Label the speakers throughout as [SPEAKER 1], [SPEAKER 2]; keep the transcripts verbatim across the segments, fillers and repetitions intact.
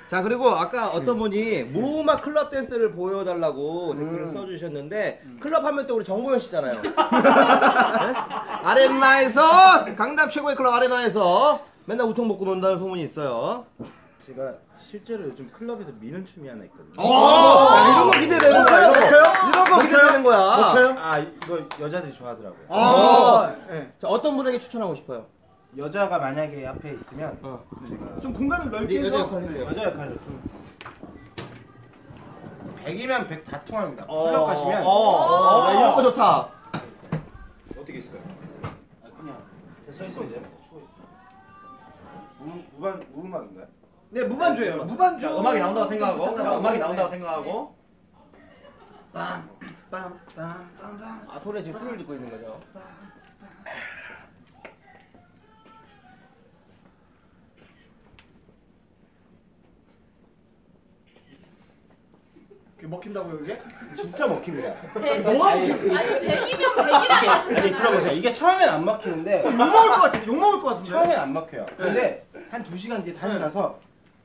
[SPEAKER 1] 자, 그리고 아까 어떤 분이 무음악 클럽 댄스를 보여달라고 댓글을
[SPEAKER 2] 음.
[SPEAKER 1] 써주셨는데 음. 클럽 하면 또 우리 정보현 씨잖아요. 네? 아레나에서 강남 최고의 클럽 아레나에서 맨날 우통 먹고 논다는 소문이 있어요.
[SPEAKER 3] 제가 실제로 요즘 클럽에서 미는 춤이 하나 있거든요.
[SPEAKER 1] 야, 이런 거 기대되는 거야. 이런 거, 이런 거 기대되는 거야.
[SPEAKER 3] 아 이거 여자들이 좋아하더라고요.
[SPEAKER 1] 아, 네. 자, 어떤 분에게 추천하고 싶어요?
[SPEAKER 3] 여자가 만약에 앞에 있으면
[SPEAKER 1] 어.
[SPEAKER 3] 제가
[SPEAKER 2] 좀 공간을 넓게
[SPEAKER 1] 여자
[SPEAKER 2] 해서
[SPEAKER 1] 역할을 해요.
[SPEAKER 3] 여자 역할을 좀 백이면 백 다 통합니다.
[SPEAKER 1] 어,
[SPEAKER 3] 클럽 가시면
[SPEAKER 1] 어, 어, 야, 이런 거 좋다.
[SPEAKER 3] 어떻게 있어요? 아, 그냥 서 있어요. 추고 있어요. 무 무반 무음악인가요?
[SPEAKER 2] 네, 무반주예요. 무반주.
[SPEAKER 4] 자, 음악이 나온다고 생각하고, 자,
[SPEAKER 2] 부탁하고.
[SPEAKER 4] 음악이 나온다고
[SPEAKER 2] 네.
[SPEAKER 4] 생각하고.
[SPEAKER 3] 빰빰빰빰빰.
[SPEAKER 1] 아, 손에 지금 숨을 짓고 있는 거죠.
[SPEAKER 2] 그게 먹힌다고요, 이게?
[SPEAKER 3] 진짜 먹힙니다.
[SPEAKER 2] 뭐가
[SPEAKER 3] 아니,
[SPEAKER 2] 먹히지?
[SPEAKER 5] 아니 백이면 백이라고
[SPEAKER 3] 아니
[SPEAKER 5] 하잖아요.
[SPEAKER 3] 들어보세요. 이게 처음엔 안 막히는데
[SPEAKER 2] 욕 먹을 것 같은데, 욕 먹을 것 같은데.
[SPEAKER 3] 처음엔 안 막혀요. 근데 한 두 시간 뒤에 다시 가서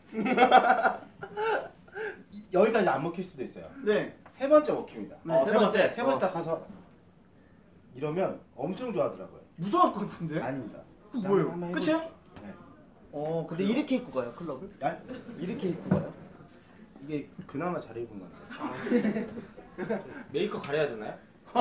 [SPEAKER 3] 여기까지 안 먹힐 수도 있어요.
[SPEAKER 2] 네.
[SPEAKER 3] 세 번째 먹힙니다.
[SPEAKER 4] 어, 세 번째.
[SPEAKER 3] 세 번째 딱 가서 이러면 엄청 좋아하더라고요.
[SPEAKER 2] 무서울 것 같은데.
[SPEAKER 3] 아닙니다.
[SPEAKER 2] 그 뭐예요?
[SPEAKER 3] 한번
[SPEAKER 2] 끝이야?
[SPEAKER 3] 해보죠. 네.
[SPEAKER 2] 어,
[SPEAKER 1] 근데 이렇게 입고 가요, 클럽을?
[SPEAKER 3] 야?
[SPEAKER 1] 이렇게 입고 가요?
[SPEAKER 3] 이게 그나마 잘 입은 것 같아요. 메이크업 가려야 되나요?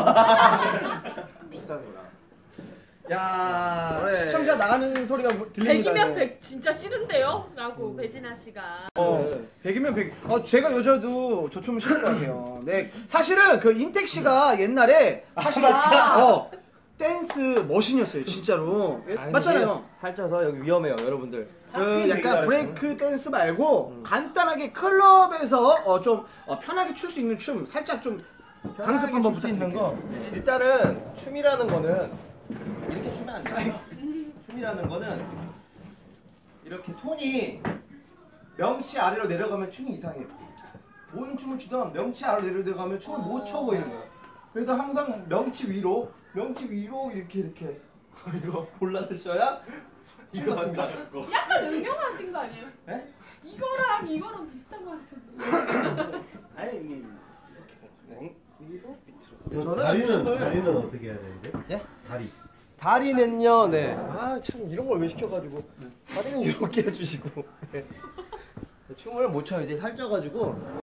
[SPEAKER 3] 비싼 거라.
[SPEAKER 2] 야,
[SPEAKER 1] 그래.
[SPEAKER 2] 시청자 나가는 소리가 들립니다.
[SPEAKER 5] 백이면
[SPEAKER 2] 네.
[SPEAKER 5] 백 진짜 싫은데요? 라고 배진아 씨가.
[SPEAKER 2] 어, 백이면 백. 어, 제가 여자도 저 춤을 싫을 것 같아요. 네, 사실은 그 인택 씨가 옛날에 사실
[SPEAKER 5] 맞다.
[SPEAKER 2] 어 댄스 머신이었어요, 진짜로.
[SPEAKER 1] 아니,
[SPEAKER 2] 맞잖아요.
[SPEAKER 1] 이게 살쪄서 여기 위험해요, 여러분들.
[SPEAKER 2] 그 약간 브레이크 댄스 말고 간단하게 클럽에서 어, 좀 어, 편하게 출 수 있는 춤 살짝 좀 강습 한번
[SPEAKER 1] 수 있는
[SPEAKER 2] 부탁드릴게요.
[SPEAKER 1] 거. 일단은 춤이라는 거는 이렇게 추면 안 돼요. 춤이라는 거는 이렇게 손이 명치 아래로 내려가면 춤이 이상해요. 뭔 춤을 추던 명치 아래로 내려가면 춤을 못 춰 보이는 거예요. 그래서 항상 명치 위로, 명치 위로 이렇게 이렇게 이거 골라드셔야 춤 같습니다.
[SPEAKER 5] 약간 응용하신 거 아니에요?
[SPEAKER 1] 네?
[SPEAKER 5] 이거랑 이거랑 비슷한 거 같은데.
[SPEAKER 3] 아니 이게 이렇게 위로 밑으로.
[SPEAKER 1] 저는
[SPEAKER 6] 다리는
[SPEAKER 1] 춤을-
[SPEAKER 6] 다리는 어떻게 해야 되는데?
[SPEAKER 1] 예?
[SPEAKER 6] 다리.
[SPEAKER 1] 다리는요, 네. 아, 참, 이런 걸 왜 시켜가지고. 다리는 이렇게 해주시고. 네. 춤을 못 춰요. 이제 살쪄가지고.